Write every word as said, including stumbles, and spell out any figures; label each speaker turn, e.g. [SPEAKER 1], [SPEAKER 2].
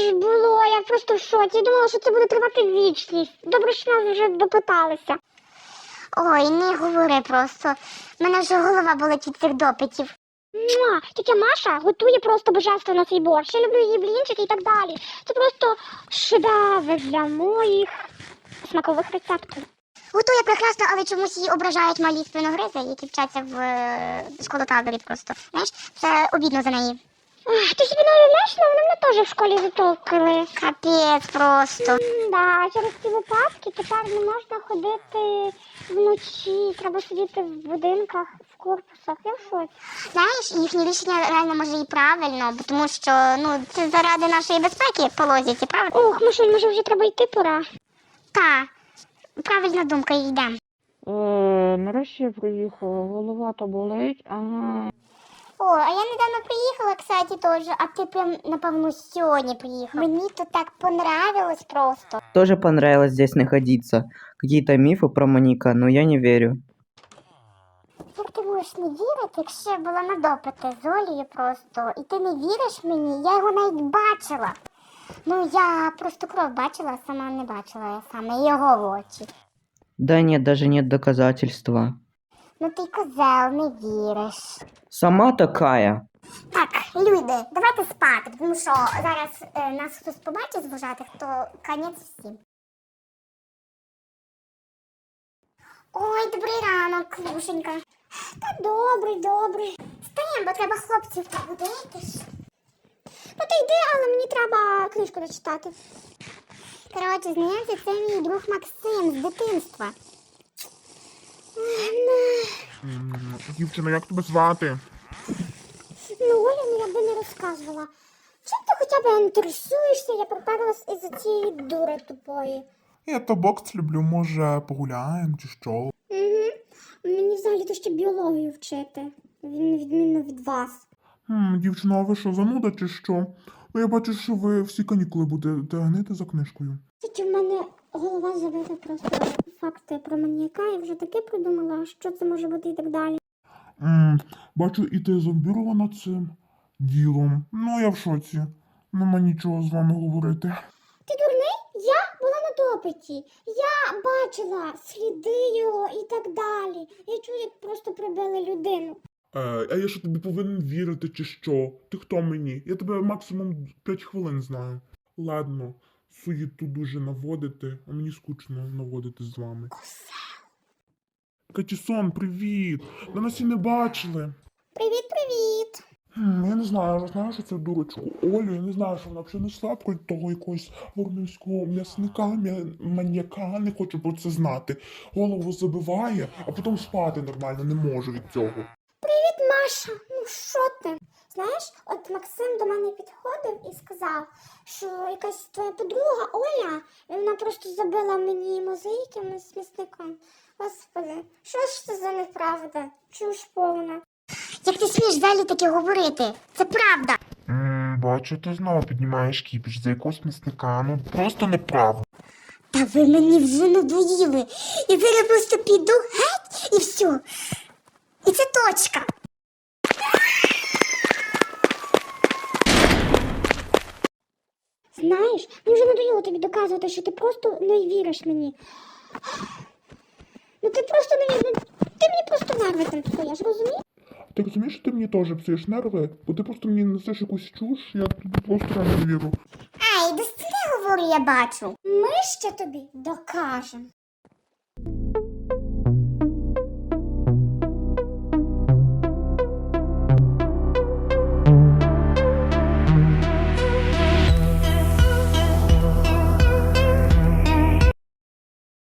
[SPEAKER 1] ж було, я просто в шоці. Я думала, що це буде тривати вічність. Добре, що нас вже допиталися.
[SPEAKER 2] Ой, не говори просто. У мене вже голова болить від цих допитів.
[SPEAKER 1] Муа! Тетя Маша готує просто божественно цей борщ. Я люблю її блінчики і так далі. Це просто шедевр для моїх смакових рецептів.
[SPEAKER 2] Готує прекрасно, але чомусь її ображають малі спиногризи, які вчаться в е, школотаборі просто. Знаєш, це обідно за неї.
[SPEAKER 1] Ах, ти собі не уявляєш, ну, вони мене теж в школі затовкали.
[SPEAKER 2] Капець просто.
[SPEAKER 1] Да, через ці випадки тепер не можна ходити вночі, треба сидіти в будинках, в корпусах. Я в шоці.
[SPEAKER 2] Знаєш, їхнє рішення реально може і правильно, бо тому що ну, це заради нашої безпеки по логіці, правда?
[SPEAKER 1] Ох, Машуль, може вже треба йти пора.
[SPEAKER 2] Та, правильна думка, йдемо.
[SPEAKER 3] Е, нарешті я приїхала, голова то болить, ага.
[SPEAKER 2] О, а я недавно приїхала, кстати, теж, а ти прям, напевно, сьогодні приїхав. Мені тут так понравилось просто.
[SPEAKER 4] Тоже понравилось здесь находиться. Какие-то мифы про маньяка, но я не верю.
[SPEAKER 2] Як ти можеш не вірити, якщо я була на допити з Олею просто, і ти не віриш мені, я його навіть бачила. Ну, я просто кров бачила, а сама не бачила, я саме його в очі.
[SPEAKER 4] Да нет, даже нет доказательства.
[SPEAKER 2] Ну ти козел, не віриш.
[SPEAKER 4] Сама такая.
[SPEAKER 2] Так, люди, давайте спати, тому що зараз е, нас хтось побачить з вожатих, то конець всім. Ой, добрий ранок, Лушенька. Та добрий, добрий. Встаємо, бо треба хлопців побудити ж.
[SPEAKER 1] Ну ти йди, але мені треба книжку дочитати.
[SPEAKER 2] Коротше, знайомся, це мій друг Максим з дитинства.
[SPEAKER 5] М, Дівчина, як тебе звати?
[SPEAKER 1] Ну, Оля, ну я би не розказувала. Чим ти хоча б інтересуєшся? Я приперлась із-за цієї дури тупої.
[SPEAKER 5] Я то бокс люблю, може погуляємо чи що?
[SPEAKER 1] Угу. Мені взагалі-то ще біологію вчити. Він відмінно від вас.
[SPEAKER 5] М, Дівчина, а ви що, зануда чи що? Ну я бачу, що ви всі канікули будете гнити за книжкою.
[SPEAKER 1] Тільки в мене голова забита просто факти про маніяка. Я вже таке придумала, що це може бути і так далі.
[SPEAKER 5] М, Бачу, і ти зомбірована цим ділом. Ну я в шоці. Нема нічого з вами говорити.
[SPEAKER 1] Ти дурний? Я була на допиті. Я бачила сліди його і так далі. Я чую, як просто прибили людину.
[SPEAKER 5] Е, а я що тобі повинен вірити чи що? Ти хто мені? Я тебе максимум п'ять хвилин знаю. Ладно, суєту дуже наводити, а мені скучно наводити з вами. Катісон, привіт! Ми нас і не бачили.
[SPEAKER 1] Привіт-привіт.
[SPEAKER 5] Хм, Я не знаю, я знаю, що це дурочку Олю, я не знаю, що вона взагалі несла про того якогось воронівського м'ясника, м'я- маньяка, не хочу про це знати. Голову забиває, а потім спати нормально не може від цього.
[SPEAKER 1] Привіт, Маша. Ну що ти? Знаєш, от Максим до мене підходив і сказав, що якась твоя подруга Оля, і вона просто забила мені мозаїками з місником. Господи, що ж це за неправда? Чуш повна.
[SPEAKER 2] Як ти смієш взагалі таке говорити? Це правда.
[SPEAKER 5] М, Бачу, ти знову піднімаєш кіпіш за якогось місника, ну просто неправда.
[SPEAKER 2] Та ви мені вже надоїли. Я зараз просто піду геть і все. І це точка.
[SPEAKER 1] Знаєш, мені вже надоїло тобі доказувати, що ти просто не віриш мені. Ну ти просто не віриш. Ти мені просто нерви там псуєш, розумієш?
[SPEAKER 5] Ти розумієш, що ти мені теж псуєш нерви? Бо ти просто мені несеш якусь чуш, я тобі просто не вірю.
[SPEAKER 2] Ай, до стіни говорю, я бачу.
[SPEAKER 1] Ми ще тобі докажемо.